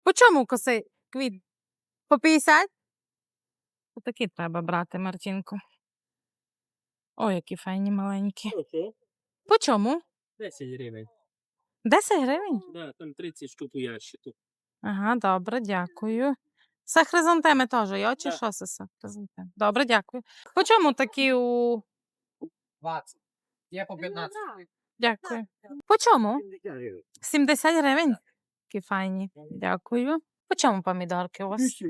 По чому коси квіт? По 50? Отакі треба брати, Мартінко. Ой, які файні маленькі. По чому? 10 гривень. 10 гривень? Да, там 30 штук у ящику. Ага, добре, дякую. Це хризантеми теж, йо, чи Так. що це хризантеми? Добре, дякую. По чому такі у... 20. Є по 15. Дякую. По чому? 70 гривень? Такі файні. Дякую. По чому помідорки у вас?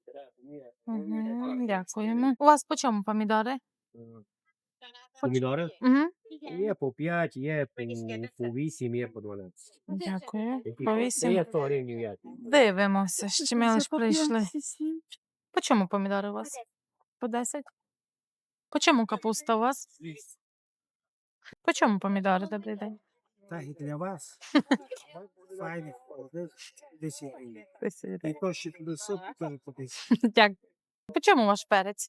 Угу, дякуємо. У вас по чому помідори? Помідори? Угу. Є по 5, є по 8, є по 12. Дякую. По 8. Є 100 гривень ящик. Дивимося, ще ми лиш прийшли. По чому помідори у вас? По 10? По чому капуста у вас? По чому помідори? Добрий день. Так, і для вас. Файних 10 гривень. 10 І гривень. то ще туди суп, то по 10. Дякую. По чому ваш перець?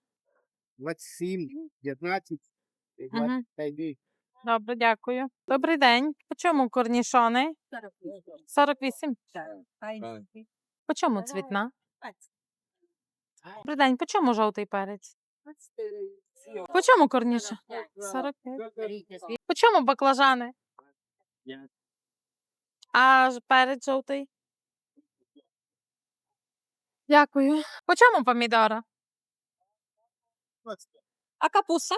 27, 15, Мгм. 25. Добре, дякую. Добрий день. По чому корнішони? 48. По чому цвітна? Добрий день. По чому жовтий перець? По чому корніша? 45. По чому баклажани? А перець жовтий? Дякую. По чому помідора? А капуста?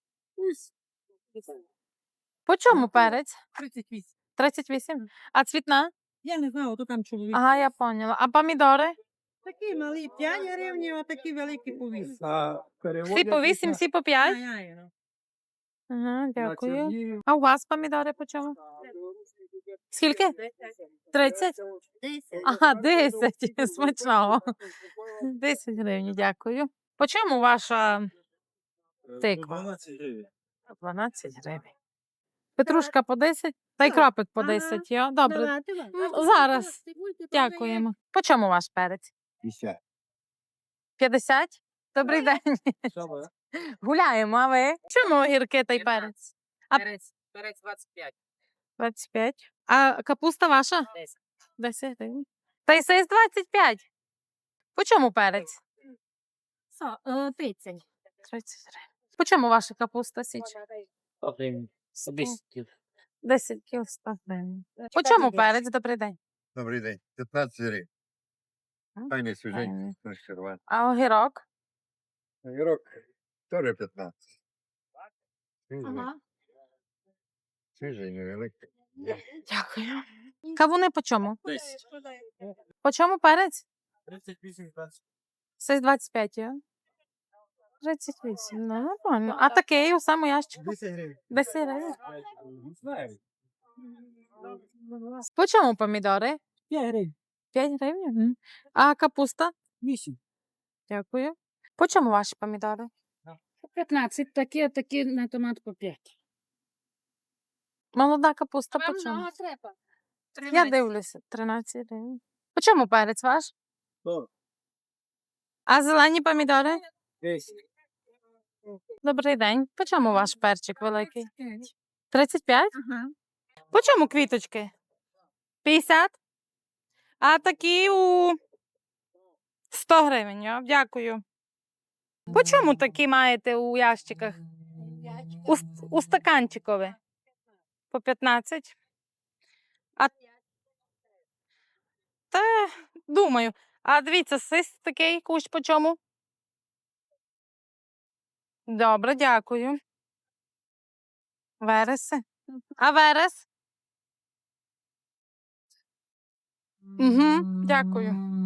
По чому перець? 38. 38. А цвітна? Я не знаю, то там чоловік. Ага, я поняла. А помідори? Такі малі 5 гривень, а такі великі по 8. Всі по 8, всі по 5? Ай-ай, Ага, дякую. А у вас помідори по чому? Скільки? 30? Ага, 10. Смачного. 10 гривень, дякую. По чому ваша тиква? 12 гривень. 12 гривень. Петрушка по 10? Та й кропик по 10, йо? Добре. Зараз. Дякуємо. По чому ваш перець? 50? Добрий день. Гуляємо, а ви? Чому огірки та й перець? А- Перець 25. 25. А капуста ваша? 10. 10 гривень. Та й сей з 25. По чому перець? 30. 30 гривень. По чому ваша капуста січ? 100 гривень. 10 кіл. 10 кіл 100 гривень. По чому перець? Добрий день. Добрий день. 15 гривень. Файний свіженький, Файний. консервант. А огірок? Огірок теж 15. Ага. Свіжий, невеликий. Дякую. Кавуни по чому? 10. По чому перець? 38, 20. Сей з 25, я? 38, ну нормально. А такий у самому ящику? 10 гривень. 10 гривень. Не знаю. По чому помідори? 5 гривень. 5 гривень. Мгм. А капуста? 8. Дякую. По чому ваші помідори? 15. Такі, а такі на томат по 5. Молода капуста по чому? Я дивлюся. 13 гривень. По чому перець ваш? 100. А зелені помідори? 10. Добрий день. По чому ваш перчик великий? 35? Ага. По чому квіточки? 50? А такі у 100 гривень. Йо? Дякую. По чому такі маєте у ящиках? У стаканчикові? По 15? А... Та, думаю. А дивіться, сис такий кущ по чому? Добре, дякую. Вереси? А верес? Угу, дякую.